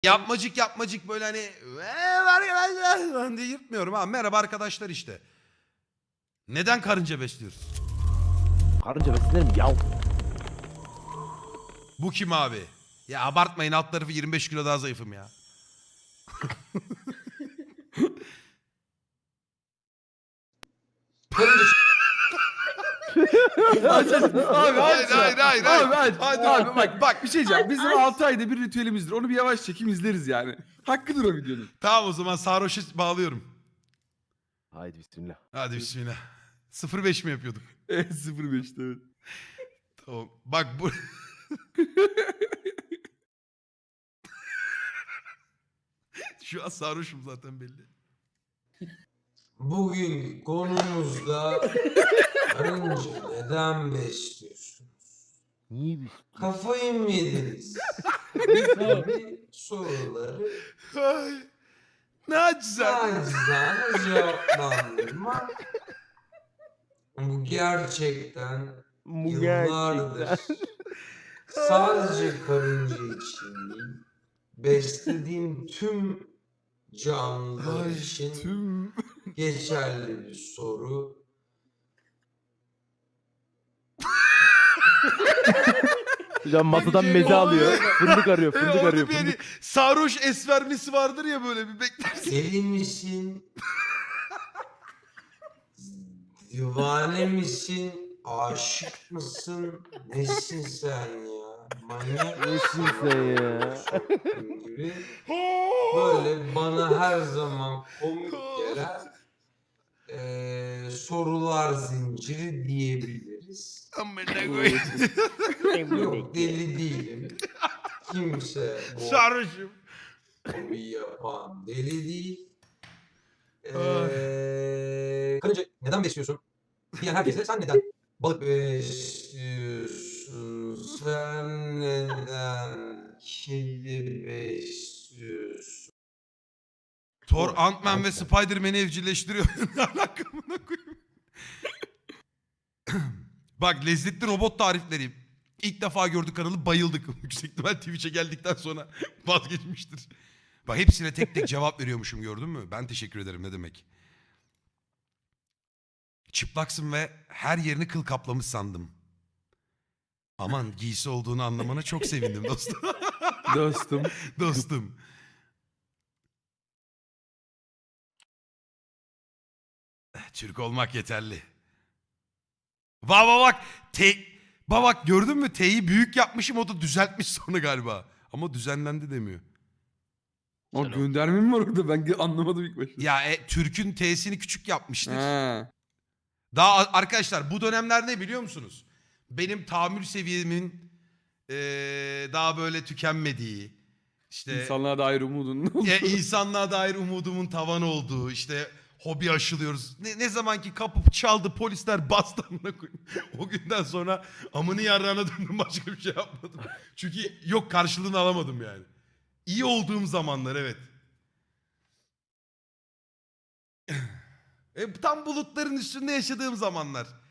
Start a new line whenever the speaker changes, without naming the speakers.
Yapmacık böyle hani arkadaşlar diye yırtmıyorum ha. Merhaba arkadaşlar işte. Neden karınca besliyoruz?
Karınca beslenir mi yav?
Bu kim abi? Ya abartmayın, alt tarafı 25 kilo daha zayıfım ya.
Karınca
Abi
Hayır, hayır, hayır, hayır.
Abi aç.
Hadi.
Abi bak bir şey diyeceğim. Bizim 6 ayda bir ritüelimizdir. Onu bir yavaş çekim izleriz yani. Hakkıdır o videonun.
Tamam o zaman sarhoşu bağlıyorum.
Haydi bismillah.
Hadi bismillah. 05 mi yapıyorduk?
Evet 05'te evet.
Tamam. Bak bu... Şu an sarhoşum zaten belli.
bugün konumuzda karınca neden besliyorsunuz?
Niye biz?
Kafayı mı yediniz? gibi soruları
Ay, ne acizane.
nacizane cevaplandırma. Bu gerçekten
Bu
yıllardır
gerçekten.
sadece karınca için değil, beslediğim tüm canlılar
Ay,
için
Tüm...
geçerli bir soru.
Hocam masadan meze alıyor. Fındık arıyor, fındık
Orada
arıyor,
bir hani
fındık.
sarhoş es vermesi vardır ya, böyle bir beklersin.
Deli misin? Divane misin? Aşık mısın? Nesin sen ya? Manyak
Nesin sen ya?
soktun gibi. Böyle bana her zaman komik gelen sorular zinciri diyebiliriz.
Amına koyayım.
Yok, deli değilim. Kimse bu
Sarhoşum.
hobiyi yapan deli değil. Karınca neden besliyorsun? Diyen herkese sen neden balık besliyorsun? Sen neden kedi besliyorsun?
Thor, Ant-Man ve Spider-Man'i evcilleştiriyor. Ne alaka buna koyayım? Bak, lezzetli robot tarifleri. İlk defa gördük kanalı, bayıldık. Yüksek ihtimal Twitch'e geldikten sonra vazgeçmiştir. Bak, hepsine tek tek cevap veriyormuşum, gördün mü? Ben teşekkür ederim, ne demek. Çıplaksın ve her yerini kıl kaplamış sandım. Aman, giysi olduğunu anlamana çok sevindim dostum.
Dostum.
Dostum. Türk olmak yeterli. Bak. Bak gördün mü? T'yi büyük yapmışım, o da düzeltmiş sonra galiba. Ama düzenlendi demiyor.
O gönderme mi var orada? Ben anlamadım ilk başta.
Ya Türk'ün T'sini küçük yapmıştır.
Ha.
Daha arkadaşlar, bu dönemler ne biliyor musunuz? Benim tahammül seviyemin daha böyle tükenmediği, işte
İnsanlığa dair umudun oldu.
insanlığa dair umudumun tavan olduğu, işte hobi aşılıyoruz. Ne zaman ki kapı çaldı, polisler bastı amına koyayım. O günden sonra amını yarrağına döndüm, başka bir şey yapmadım. Çünkü yok, karşılığını alamadım yani. İyi olduğum zamanlar, evet. Tam bulutların üstünde yaşadığım zamanlar.